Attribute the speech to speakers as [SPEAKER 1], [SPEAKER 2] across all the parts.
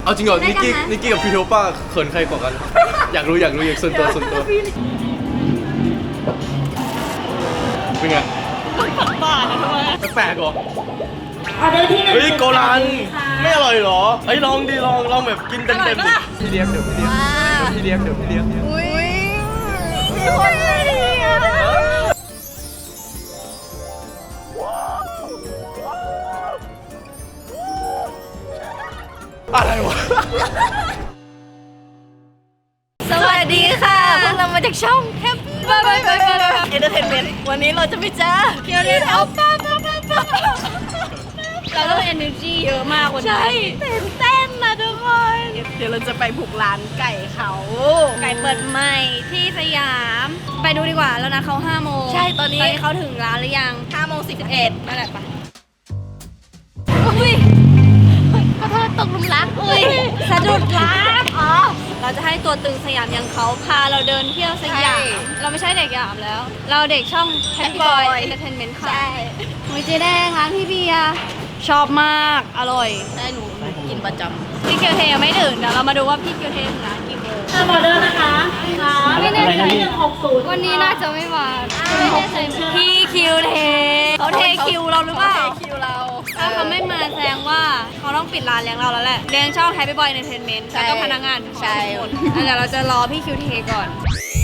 [SPEAKER 1] เอาจริงเหรอนิกกี้กับพี่โทป้าเขินใครกว่ากันอยากรู้อยากส่วนตัวเป็นไงบ้านะทำไมแปลกเหรอ
[SPEAKER 2] ออเดอร์ที่1เฮ้
[SPEAKER 1] ยโกรันไม่อร่อยเหรอเฮ้ยลองดิลองแบบกินเต็มพี่เลี้ยงเดี๋ยวพี่เลี้ยง
[SPEAKER 2] อุ้ยมีคนเลย
[SPEAKER 1] อะไรวะ
[SPEAKER 2] สวัสดีค่ะพวกเรามาจากช่องแฮปปี้บายเอนเตอร์เทนเมนต์วันนี้เราจะไปเจอเกียวเดนเอาป้าเราต้อง energy เยอะมากวันนี้ใช่ตื่นเต้นนะทุกคนเดี๋ยวเราจะไปบุกร้านไก่เขาไก่เปิดใหม่ที่สยามไปดูดีกว่าแล้วนะเขา5 โมงใช่ตอนนี้เขาถึงร้านหรือยัง5 โมง 11นั่นแหละปะอุ้ยขอโทษตกหลุมรักอุ้ยสะดุดรักอ๋อเราจะให้ตัวตึงสยามยังเขาพาเราเดินเที่ยวสยามเราไม่ใช่เด็กสยามแล้วเราเด็กช่อง Happy Boy Entertainment ค่ะใช่วิจิแดงร้านพี่เบียร์ชอบมากอร่อยใช่หนูกินประจำพี่เกียวเทยังไม่ถึงเดี๋ยวเรามาดูว่าพี่เกียวเทถึงร้านกี่โมงออเดอร์นะคะไม่แน่ใจ160วันนี้น่าจะไม่มาพี่คิวเทเขาเทคิวเราหรือเปล่าคิวเราถ้าเขาไม่มาแสดงว่าเขาต้องปิดร้านเลี้ยงเราแล้วแหละเลี้ยงช่อง Happy Boy Entertainment แล้วก็พนักงานทุกคนเดี๋ยวเราจะรอพี่คิวเทก่อน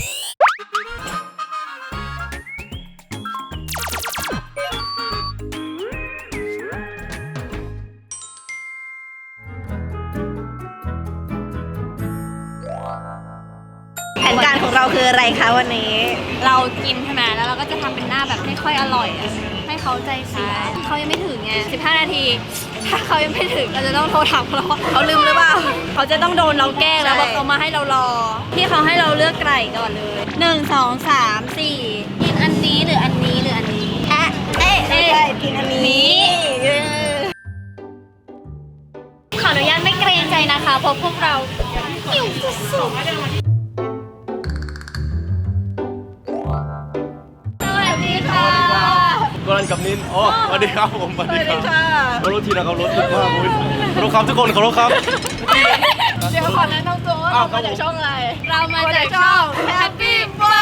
[SPEAKER 2] แผนการของเราคืออะไรคะวันนี้เรากินใช่ไหมแล้วเราก็จะทำเป็นหน้าแบบไม่ค่อยอร่อยให้เขาใจเสียเขายังไม่ถึงไง15 นาทีถ้าเขายังไม่ถึงเราจะต้องโทรถามเขาลืมหรือเปล่าเขาจะต้องโดนเราแกล้งแล้วบอกเขามาให้เรารอที่เขาให้เราเลือกไก่ก่อนเลย1 2 3 4กินอันนี้หรืออันนี้หรืออันนี้กินอันนี้ขออนุญาตไม่เกรงใจนะคะเพราะพวกเราหิวสุดๆ
[SPEAKER 1] โกรันกับนินอ๋อสวัสดีครับผมสวัสดีครับขอรถทีนะครับรถติดมากเลยขอรถครับทุกคนขอรถครับ
[SPEAKER 2] เดี๋ยวขอแนะนำตัวว่าเรามาจากช่องอะไรเรามาจากช่อง Happy Boy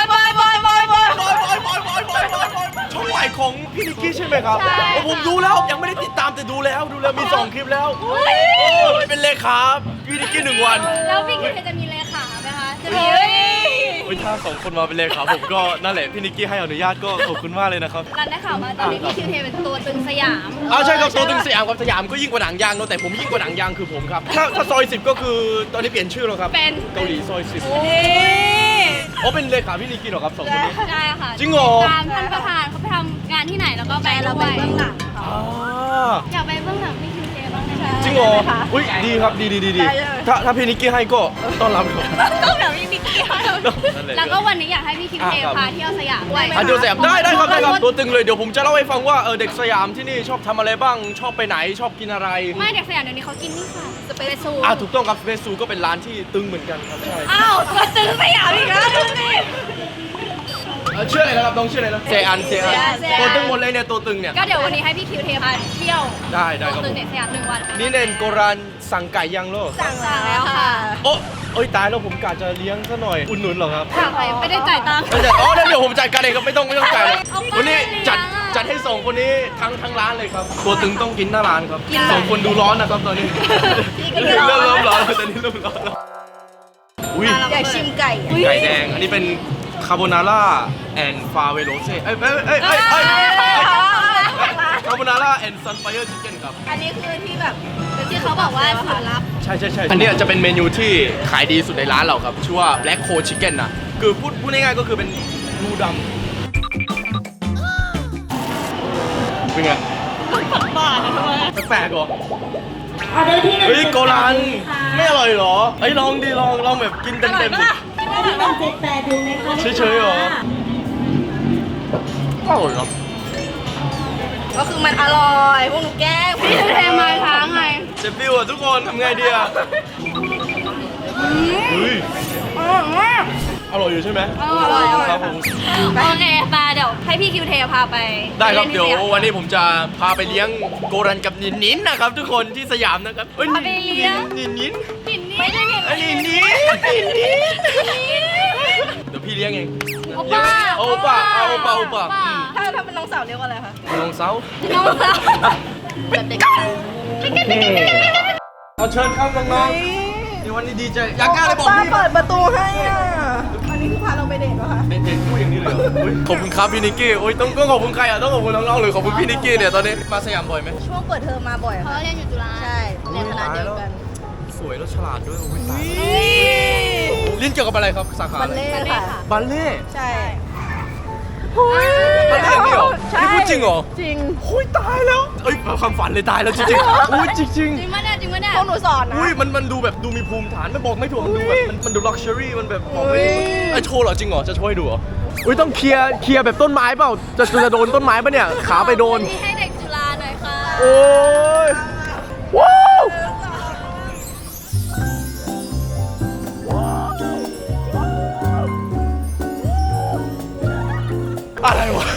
[SPEAKER 1] ช่องใหม่ของพี่นิกกี้ใช่ไหมครับผมดูแล้วยังไม่ได้ติดตามแต่ดูแล้วมี2 คลิปแล้วเป็นเลขาพี่นิกกี้1 วัน
[SPEAKER 2] แล้วพี่คิดจะมีเลขาไหมคะจะมี
[SPEAKER 1] ถ้า2 คนมาเป็นเลขาผมก็นั่นแหละพี่นิกกี้ให้อนุญาตก็ขอบคุณมากเลยนะครับ
[SPEAKER 2] รันได้ข่าวมาตอนนี้พี่คิวเทเป็นตัวตึงสยาม
[SPEAKER 1] ใช่ครับตัวตึงสยามกับสยามก็ยิ่งกว่าหนังยางเนาะแต่ผมยิ่งกว่าหนังยางคือผมครับถ้าซอย10ก็คือตอนนี้เปลี่ยนชื่อแล้วครับเป็นเกาหลีซอย10เป็นเลขาพี่นิกกี้เหรอครับ2 คนนี้
[SPEAKER 2] ใช่ค่ะ
[SPEAKER 1] จริงเหรอ
[SPEAKER 2] ตามท่านประธานเขาไปทำงานที่ไหนแล้วก็ไปเราไปเบื้องหลังอยากไปเบื้องหลังพี่คิวเทบ้างนะคะ
[SPEAKER 1] จริงเหรออุ้ยดีครับดีถ้าพี่นิกกี้ให้ก็ต้อนรับครับ
[SPEAKER 2] ต้องแบบพี่นิกกี้แล้วก็วันนี้อยากให้พี่คิวเทพาเที่ยวสยามด้วย
[SPEAKER 1] เที่ยวสยามได้ครับตัวตึงเลยเดี๋ยวผมจะเล่าให้ฟังว่าเด็กสยามที่นี่ชอบทำอะไรบ้างชอบไปไหนชอบกินอะไร
[SPEAKER 2] ไม่เด็กสยามเดี๋ยวนี้เขากินนี่ค่ะสเปซซู
[SPEAKER 1] ถูกต้องครับสเปซซูก็เป็นร้านที่ตึงเหมือนกันครับใช่
[SPEAKER 2] ตัวตึงสยามอีกแล้วดูสิ
[SPEAKER 1] ชื่ออะไรนะครับน้องชื่ออะไรนะเซอันตัวตึงหมดเลยเนี่ยตัวตึงเนี่ย
[SPEAKER 2] ก็เดี๋ยววันนี้ให้พี่คิวเทพาเที่ยว
[SPEAKER 1] ได้ครับ
[SPEAKER 2] ตัวตึงเด็กสยาม1 วัน
[SPEAKER 1] นี่เนนโกรันสั่งไก่ยังโล
[SPEAKER 2] สั่งแล้วค่ะ
[SPEAKER 1] โอ้ยตายแล้วผมกะจะเลี้ยงซะหน่อยอุ่นหนุนหรอครับ
[SPEAKER 2] ไม่ได้จ่ายตังค์
[SPEAKER 1] เดี๋ยวผมจัดการเองครับไม่ต้องจ่ายวันนี้จัดให้2 คนนี้ทั้งร้านเลยครับตัวตึงต้องกินหน้าร้านครับ2 คนดูร้อนนะครับตอนนี้เริ่มร้อนตอนนี้เริ่มร้อนแล้ว
[SPEAKER 2] อยากชิมไก่
[SPEAKER 1] แดงอันนี้เป็นคาโบนาร่าแอนฟาเวโรเซ่คาโบนาร่าแอนซันไฟเออร์ชิคเก้นครับ
[SPEAKER 2] อันนี้คือที่แบบที่เขาบอกว่าสูตรลับ
[SPEAKER 1] ใช่อันนี้จะเป็นเมนูที่ขายดีสุดในร้านเราครับชื่อว่า Black Cold Chicken นะคือพูดง่ายๆก็คือเป็นนูดำเป็นไง
[SPEAKER 2] บ้านะทำไม
[SPEAKER 1] แปลกเหรอเฮ้ยโกรันไม่อร่อยเหรอลองดิลองแบบกินเต็มดิเฉยๆเหรออร่อยเหรอ
[SPEAKER 2] ก็คือมันอร่อยพวกหนูแก้พี่เทมาค้างไง
[SPEAKER 1] เจ็บฟิวทุกคนทำไงดีอ่ะ
[SPEAKER 2] อร่อยมาก
[SPEAKER 1] อร่อยอยู่ใช่ไหม
[SPEAKER 2] อร่อย
[SPEAKER 1] ครับผม
[SPEAKER 2] โอเคมาเดี๋ยวให้พี่คิวเทพาไป
[SPEAKER 1] ได้ครับ
[SPEAKER 2] ล่นที่
[SPEAKER 1] เดี๋ยว
[SPEAKER 2] สาม
[SPEAKER 1] วันนี้ผมจะพาไปเลี้ยงโกรันกับนินนินนะครับทุกคนที่สยามนะครับอ้
[SPEAKER 2] พาไปเลี้ยง
[SPEAKER 1] นินนิน
[SPEAKER 2] หินนี่ไม่ใช่หิน
[SPEAKER 1] ไอ้นินนินนินนินเดี๋ยวพี่เลี้ยงเอง
[SPEAKER 2] โอป้า
[SPEAKER 1] โอป้าเอาโอป้าโอป้า
[SPEAKER 3] ถ้าเป็นน้องสาวเรียกว่าอะไรคะ
[SPEAKER 1] น้องเซา
[SPEAKER 2] น้องสาว
[SPEAKER 3] แบบเด็ก
[SPEAKER 1] เอาเชิญครับน้องๆในวันนี้ดีใจอยากกล้าเลยบอก
[SPEAKER 3] ป้า
[SPEAKER 1] พี่
[SPEAKER 3] เปิดประตูให้อ่ะอันนี้คือพาเราไปเดทเหรอคะ
[SPEAKER 1] เด็กๆพูดอย่างนี้เลยเหรออุ๊ยขอบคุณครับพี่นิกกี้โอ้ยต้องขอบคุณใครอ่ะต้องขอบคุณน้องๆเลยขอบคุณพี่นิกกี้เนี่ยตอนนี้มาสยามบ่อยไหม
[SPEAKER 3] ช่วงเปิดเทอมมาบ่อย
[SPEAKER 2] เขา
[SPEAKER 3] ค่ะ
[SPEAKER 2] เรียนอยู่จุฬา
[SPEAKER 3] ใช่ เรียนคณะเดียวกัน
[SPEAKER 1] สวยแล้วฉลาดด้วยโอ้ยตายเรียนเกี่ยวกับอะไรครับสาขา
[SPEAKER 3] บั
[SPEAKER 1] อะ
[SPEAKER 3] ล
[SPEAKER 1] ไร
[SPEAKER 3] เล่ต์ค่ะ
[SPEAKER 1] บัลเล่
[SPEAKER 3] ใช่
[SPEAKER 1] บัลเล่นี่เหรอ
[SPEAKER 3] ใช่
[SPEAKER 1] นี่พูดจริงเหรอ
[SPEAKER 3] จริง
[SPEAKER 1] โอ้ยตายแล้วเอ้ยความฝันเลยตายแล้วจริงๆโอ้ยจริง
[SPEAKER 2] จริงมั้ยเนี่ยจริงมั้ยเนี่ย
[SPEAKER 3] พวกหนูสอนนะ
[SPEAKER 1] อุ้ยมันดูแบบดูมีภูมิฐานไม่บอกไม่ถูกมันดูแบบมันดูลักชัวรี่มันแบบบอกไม่ถูก
[SPEAKER 3] อุ๊ย
[SPEAKER 1] ไอ้โชว์เหรอจริงเหรอจะโชว์ให้ดูเหรออุ้ยต้องเคลียร์แบบต้นไม้เปล่าจะโดนต้นไม้ปะเนี่ยขาไปโดน
[SPEAKER 2] ที่ให้เด็กจุฬาหน่อยค่ะ
[SPEAKER 1] โอ้ยว้าวอะไรวะ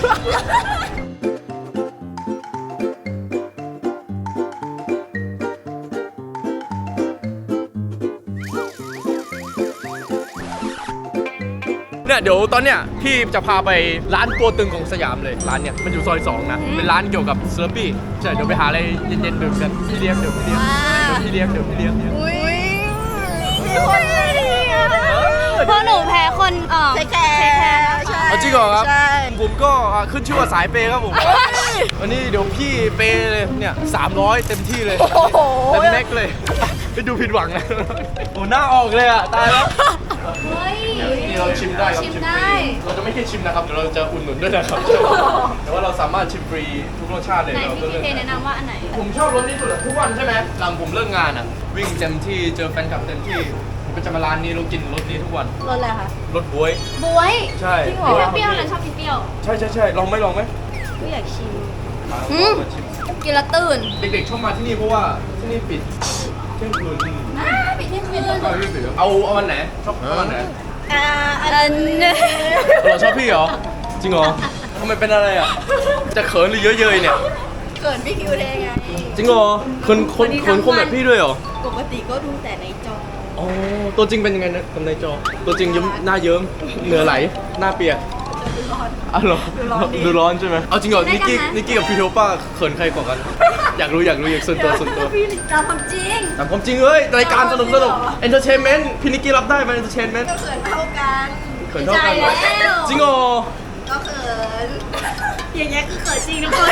[SPEAKER 1] เนี่ยเดี๋ยวตอนเนี้ยพี่จะพาไปร้านตัวตึงของสยามเลยร้านเนี่ยมันอยู่ซอย2นะเป็นร้านเกี่ยวกับเซอร์ปี้ใช่เดี๋ยวไปหาอะไรเย็นๆดื่มกันพี่เลี้ยงเดี๋ยวพี่เลี้ยงเดี๋ยวพี่เลี้ยง
[SPEAKER 3] อุ้ยมีคนดีอ่ะ
[SPEAKER 2] เพราะหนูแพ้คน
[SPEAKER 3] ใช่แคร์ใช่
[SPEAKER 1] เอาจริงเหรอครับ
[SPEAKER 3] ใช่
[SPEAKER 1] ผมก็ขึ้นชื่อว่าสายเปย์ครับผมวันนี้เดี๋ยวพี่เปย์เลยเนี่ย300เต็มที่เลย
[SPEAKER 3] โอ้โห
[SPEAKER 1] เต็มแม็กเลยไปดูผิดหวังนะโอ้หน้าออกเลยอ่ะตายแล้ว
[SPEAKER 2] เฮ้ย
[SPEAKER 1] นี่เราชิมได้ครับ
[SPEAKER 2] ชิม
[SPEAKER 1] ฟ
[SPEAKER 2] ได้
[SPEAKER 1] รีเราจะไม่แค่ชิมนะครับเดี๋ยวเราจะอุดหนุนด้วยนะครับแต่ว่าเราสามารถชิมฟรีทุกรสชาติเลย
[SPEAKER 2] ไหน
[SPEAKER 1] เรา
[SPEAKER 2] พี่
[SPEAKER 1] ก็
[SPEAKER 2] คิว
[SPEAKER 1] เลือก
[SPEAKER 2] เทแนะนำว่าอันไหน
[SPEAKER 1] ผมชอบรสนี้สุดอะทุกวันใช่ไหมหลังผมเลิกงานอ่ะวิ่งเต็มที่เจอแฟนคลับเต็มที่ผมก็จะมาร้านนี้เรากินรสนี้ทุกวัน
[SPEAKER 3] รถอะไรคะ
[SPEAKER 1] รสบ๊วย
[SPEAKER 2] บวย
[SPEAKER 1] ใช่
[SPEAKER 3] จริงเหรอ
[SPEAKER 2] เปรี้ยวๆนะชอบกินเปรี้ยว
[SPEAKER 1] ใช่ลองไหม
[SPEAKER 3] ไม่อยากชิม
[SPEAKER 2] อืม
[SPEAKER 1] มาชิม
[SPEAKER 2] กินและตื่น
[SPEAKER 1] เด็กๆชอบมาที่นี่เพราะว่าที่นี่ปิดเที่ยงคืน
[SPEAKER 2] ปิดเที่ยงคืน
[SPEAKER 1] เอาวันไหนชอบวันไหน
[SPEAKER 2] อันนี้
[SPEAKER 1] เราชอบพี่เหรอจริงเหรอทำไมเป็นอะไรอ่ะจะเขินหรือเยอะเย้ยเนี่ย
[SPEAKER 3] เกิดพี่คิวเทไง
[SPEAKER 1] จริงเหรอคนแบบพี่ด้วยเหรอ
[SPEAKER 3] ปกติก็ดูแต่ในจอ
[SPEAKER 1] อ๋อตัวจริงเป็นยังไงนะกับในจอ ตัวจริงยิ้มหน้าเยิ้มเหงื่อไหลหน้าเปียก
[SPEAKER 3] ดูร้อน
[SPEAKER 1] อ๋อเหรอ
[SPEAKER 3] ดูร้อนดิ
[SPEAKER 1] ใช่ไหมเอาจริงเหรอนิกกี้กับพี่โทป้าเขินใครกว่ากัน อยากรู้อยากส่วนตัว
[SPEAKER 2] พี่ตามความจริง
[SPEAKER 1] แต่ความจริงเอ้ยรายการสนุกเอนเตอร์เทนเมนต์พี่นิกกี้รับได้ไหมเอนเตอร์เทนเมนต์
[SPEAKER 3] ก็เขินเท่ากัน
[SPEAKER 1] เขินเท่ากันเหรอ
[SPEAKER 2] ใจแล้ว
[SPEAKER 1] จริงเหรอ
[SPEAKER 3] ก็เขิน อย่างเงี้ยคือเขินจริงทุกคน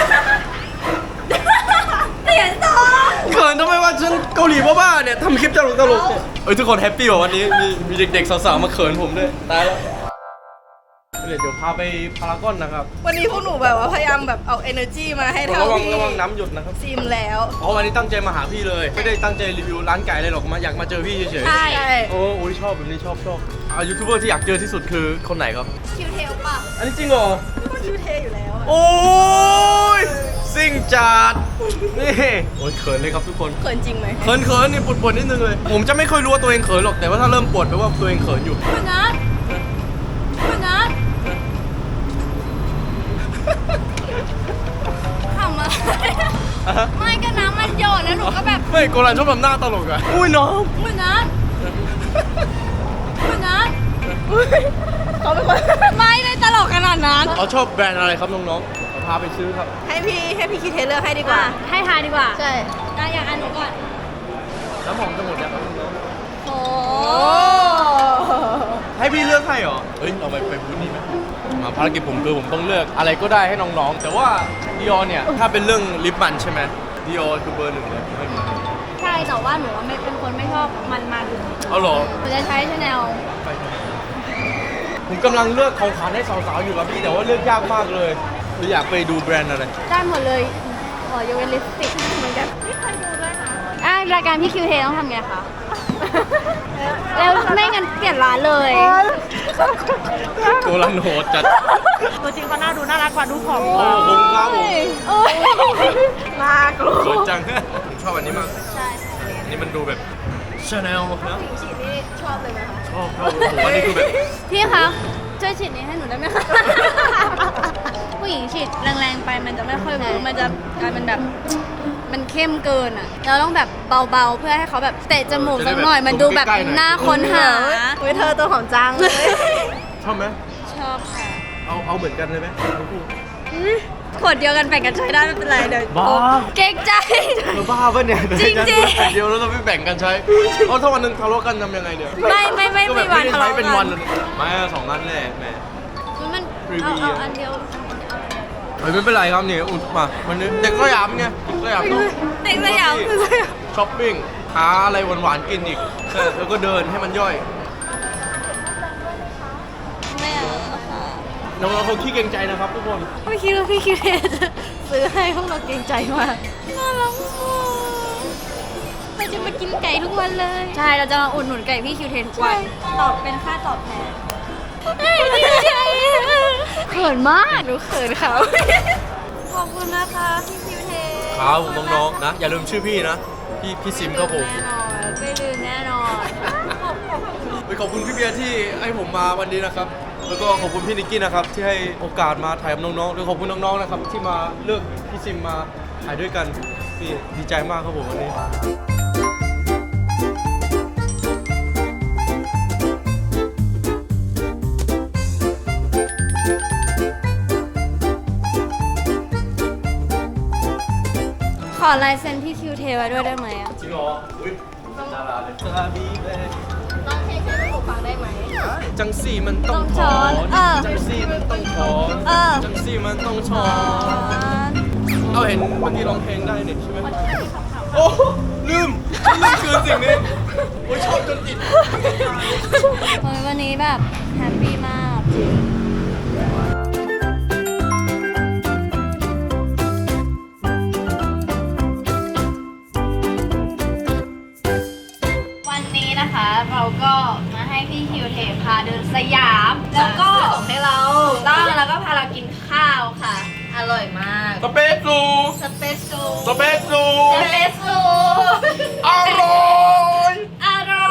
[SPEAKER 2] เปลี่ยนสอง
[SPEAKER 1] เขินทำไมว่าฉันเกาหลีบ้าๆเนี่ยทำคลิปตลกเนี่ยเอ้ยทุกคนแฮปปี้ว่ะวันนี้มีเด็กๆสาวๆมาเขินผมด้วยตายแล้วเดี๋ยวพาไปพารากอนนะครับ
[SPEAKER 3] วันนี้พวกหนูแบบว่าพยายามแบบเอา energy มาให้เท่า
[SPEAKER 1] ระวัง
[SPEAKER 3] ที่
[SPEAKER 1] น้ำหยดนะครับ
[SPEAKER 3] ซิมแล้ว
[SPEAKER 1] อ๋อวันนี้ตั้งใจมาหาพี่เลย ไม่ได้ตั้งใจรีวิวร้านไก่เลยหรอกอยากมาเจอพี่เฉย
[SPEAKER 2] ใช่
[SPEAKER 3] ใช่
[SPEAKER 1] ๆโอ้ยชอบแบบนี้ชอบยูทูบเบอร์ที่อยากเจอที่สุดคือคนไหนครับ
[SPEAKER 2] คิวเทลป่ะ
[SPEAKER 1] อันนี้จริงเหรอ
[SPEAKER 3] ก็คิวเทอยู่แล้วอะ
[SPEAKER 1] โอ้ยซิ่งจัดนี่โอ้ยเขินเลยครับทุกคน
[SPEAKER 3] เขินจริงไหม
[SPEAKER 1] เขินนี่ปวดนิดนึงเลย ผมจะไม่ค่อยรู้ว่าตัวเองเขินหรอกแต่ว่าถ้าเริ่มปวดแปลว่าตัวเองเขินอยู่
[SPEAKER 2] คุณนัททำอะไรไม่ก็น้ำมันหยดแล้วหนูก็แบบ
[SPEAKER 1] ไม่โกรันชอบทำหน้าตลกอะอุ้ยน้อง
[SPEAKER 2] คุณนัท
[SPEAKER 3] เขาเป็นคน
[SPEAKER 2] ไม่ได้ตลกขนาดนั้น
[SPEAKER 1] เขาชอบแบรนด์อะไรครับน้องๆพาไปซื้อครับ
[SPEAKER 3] ให้พี่คิดเทเลือกให้ดีกว่า
[SPEAKER 2] ให้ทายดีกว่า
[SPEAKER 3] ใช่
[SPEAKER 2] อยากอ่านหนูก่อน
[SPEAKER 1] น้ำหอมจะหมดแล้วครับน้อง
[SPEAKER 2] โอ้
[SPEAKER 1] ๆให้พี่เลือกให้เหรอ เฮ้ยเราไปบูธนี้ไหมมาภารกิจผมคือผมต้องเลือกอะไรก็ได้ให้น้องๆ แต่ว่าดิออเนี่ยถ้าเป็นเรื่องลิปมันใช่ไหมดิออคือเบอร์ 1เลยไม่มี
[SPEAKER 2] ใช่แต่ว่าหนูไม่เป็นคนไม่ชอบมัน
[SPEAKER 1] เอาเหรอ
[SPEAKER 2] หนูจะใช้ชาแนล
[SPEAKER 1] ผมกำลังเลือกของขวัญให้สาวๆอยู่ครับพี่แต่ว่าเลือกยากมากเลยคืออยากไปดูแบรนด์อะไร
[SPEAKER 2] ได้หมดเลยขอยกเว้นลิปสติกเหมือนกันไม่เคยดูด้วยนะรายการพี่คิวเทต้องทำไงคะ แล้วไม่งั้นเปลี่ยนร้านเลย
[SPEAKER 1] โกลันโหดจัด
[SPEAKER 3] ตัวจริงก็น่าดูน่ารักกว่าดูผอม
[SPEAKER 1] โอ้ผมครับผม
[SPEAKER 2] โอ้ย
[SPEAKER 3] น่ากลัว
[SPEAKER 1] สวยจังผมชอบอันนี้มาก
[SPEAKER 2] ใช่
[SPEAKER 1] อันนี้มันดูแบบชาแนลนะ
[SPEAKER 3] ฉีดนี่ชอบเลยไหมคะ
[SPEAKER 1] ชอบผมว่านี่คือแบบ
[SPEAKER 2] พี่คะช่วยฉีดนี้ให้หนูได้ไหมคะ ผู้หญิงฉีดแรงๆไปมันจะไม่ค่อยเวิร์กมันจะกลายเป็นแบบมันเข้มเกินอ่ะเราต้องแบบเบาๆเพื่อให้เขาแบบเตะจมูกสักหน่อยมันดูแบบน่าค้นหา
[SPEAKER 3] อุ้ยเธอตัวหอมจังเลย
[SPEAKER 1] ชอบไหม
[SPEAKER 2] ชอบค่ะ
[SPEAKER 1] เอาเหมือนกันเลยไหมทั้งคู่
[SPEAKER 2] ขวดเดียวกันแบ่งกันใช้ได้ไม่เป็นไรเดี๋ยว
[SPEAKER 1] บ้า
[SPEAKER 2] เก่งใจ
[SPEAKER 1] เธอบ้าปะเนี่ย
[SPEAKER 2] จริงๆ
[SPEAKER 1] เดียวแล้วเราไม่แบ่งกันใช้เอาถ้าวันหนึงทะเลาะกันทำยังไงเดี๋ยว
[SPEAKER 2] ไม่
[SPEAKER 1] ก็แบบ
[SPEAKER 2] มีวัน
[SPEAKER 1] ไม่ได้
[SPEAKER 2] ทะ
[SPEAKER 1] ใช้
[SPEAKER 2] เลาะ
[SPEAKER 1] เป็น
[SPEAKER 2] กั
[SPEAKER 1] วัน
[SPEAKER 2] น
[SPEAKER 1] เลยไม่สองนัดแรกแม่
[SPEAKER 2] มัน
[SPEAKER 1] รีวิว
[SPEAKER 2] เอาอันเดียว
[SPEAKER 1] ไม่เป็นไรครับเนี่ยอุดมาวันนี้เด็กสยามไงเด็กสยามต้อง
[SPEAKER 2] เด็กสยาม
[SPEAKER 1] ช้อปปิ้งหาอะไรหวานๆกินอีกแล้วก็เดินให้มันย่อย
[SPEAKER 2] ไม่เอาค่ะ
[SPEAKER 1] น้องๆเขาขี้เกรงใจนะครับทุกคน
[SPEAKER 2] ไม่คิดว่าพี่คิวเทจะซื้อให้พวกเราเกรงใจมากน่ารักมากเราจะมากินไก่ทุกวันเลย ใช่เราจะมาอุดหนุนไก่พี่คิวเททุกวันตอบเป็นค่าตอบแทนเขินมากหนูเขินเขาขอบคุณนะคะพี่คิวเท
[SPEAKER 1] ครับน้องๆนะอย่าลืมชื่อพี่นะพี่ซิมครับผม
[SPEAKER 2] แน่นอนไม่ลืมแน่นอน
[SPEAKER 1] ขอบคุณพี่เบียร์ที่ให้ผมมาวันนี้นะครับ แล้วก็ขอบคุณพี่นิกกี้นะครับที่ให้โอกาสมาถ่ายกับน้องๆแล้วขอบคุณน้องๆนะครับที่มาเลือกพี่ซิมมาถ่ายด้วยกันพี่ดีใจมากครับผมวันนี้
[SPEAKER 2] ขอลายเซ็นพี่คิวเทไว้ด้วยได้ไหมอ่ะ
[SPEAKER 1] จริงเหรออุ้ยดาราเลยซาบีเลย
[SPEAKER 3] ลองเพลงให้หนูฟังได้ไหม
[SPEAKER 1] จังสี่มันต้องถอน จังสี่มันต้องถอน จังสี่มันต้องถอน เอาเห็นเมื่อกี้ร้องเพลงได้นี่ใช่ไหมโอ้ลืมคือสิ่งนี้โอ้ยชอบจนติด
[SPEAKER 2] เฮ้ยวันนี้แบบแฮปปี้มากจริงวันนี้นะคะเราก็มาให้พี่คิวเทพาเดินสยาม แล้วก็
[SPEAKER 3] ให้เรา
[SPEAKER 2] ต้องแล้วก็พาเรากินข้าวค่ะ
[SPEAKER 3] อร่อยมาก
[SPEAKER 1] สเปซซู
[SPEAKER 2] สเปซซู
[SPEAKER 1] สเปซซู
[SPEAKER 2] สเปซซู
[SPEAKER 1] อร่อย
[SPEAKER 2] อร่อย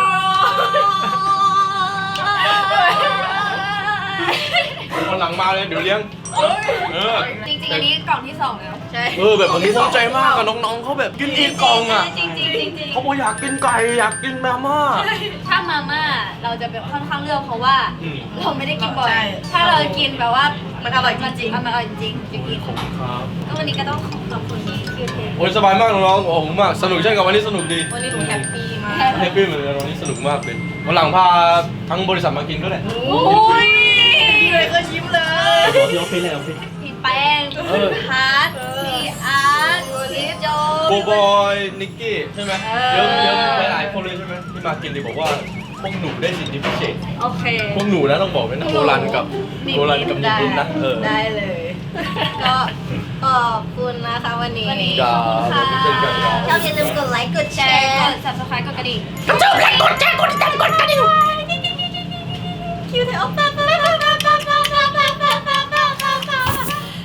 [SPEAKER 1] วันหลังมาเลยเดี๋ยวเลี้ยง
[SPEAKER 2] จริงๆอันนี้กล่องที่2แล้ว
[SPEAKER 3] ใช่
[SPEAKER 1] แบบวันนี้ภูมิใจมากกับน้องๆเขาแบบกินอีกกล่องอ่ะ
[SPEAKER 2] จริงๆ
[SPEAKER 1] เขาบอกอยากกินไก่อยากกินมาม่า
[SPEAKER 2] ถ้ามาม่าเราจะแบบค่อนข้างเลือกเพราะว่า
[SPEAKER 1] อืม
[SPEAKER 2] เราไม่ได้กินบ่อย
[SPEAKER 3] ใช่
[SPEAKER 2] ถ้าเรากินแบบว่า
[SPEAKER 3] มันอร่อยจริงๆ
[SPEAKER 2] มันอร่อยจริงๆจริงๆ
[SPEAKER 1] ครับ
[SPEAKER 2] ก็วันนี้ก็ต้องขอบคุณที่คิวเท
[SPEAKER 1] โอ้ยสบายมากน้องๆโอ้โหมากสนุกเช่นกับวันนี้สนุกดี
[SPEAKER 3] วันนี้หนูแฮปปี้มาก
[SPEAKER 1] แฮปปี้เหมือนกันวันนี้สนุกมากเลยวันหลังพาทั้งบริษัทมากินก็ได้
[SPEAKER 2] โอ้ย
[SPEAKER 3] พี่เลยก็ยิ้มเลย
[SPEAKER 1] พี่โอเคเลยโอเค
[SPEAKER 2] พี่แป้งพี่พัทพี่อาร์ตพี่โจ
[SPEAKER 1] โกบอยนิกกี้ใช่ไหมเยอะหลายๆคนเลยใช่ไหมที่มากินเลยบอกว่าพวกหนูได้สิทธิพิเศษ
[SPEAKER 2] โอเค
[SPEAKER 1] พวกหนูนะต้องบอกเลยนะโบรันกับนิกนะ
[SPEAKER 3] ได้เลย ก็ขอบคุณนะคะวันนี้
[SPEAKER 1] ครับเช่นกันครับ
[SPEAKER 3] ชอบอย่าลืมกดไลค์กดแช
[SPEAKER 2] แชร์
[SPEAKER 3] ร์
[SPEAKER 2] กด subscribe กดกระดิ่ง
[SPEAKER 3] กดแชร์กดแชร์กดติดตามกดกระดิ่ง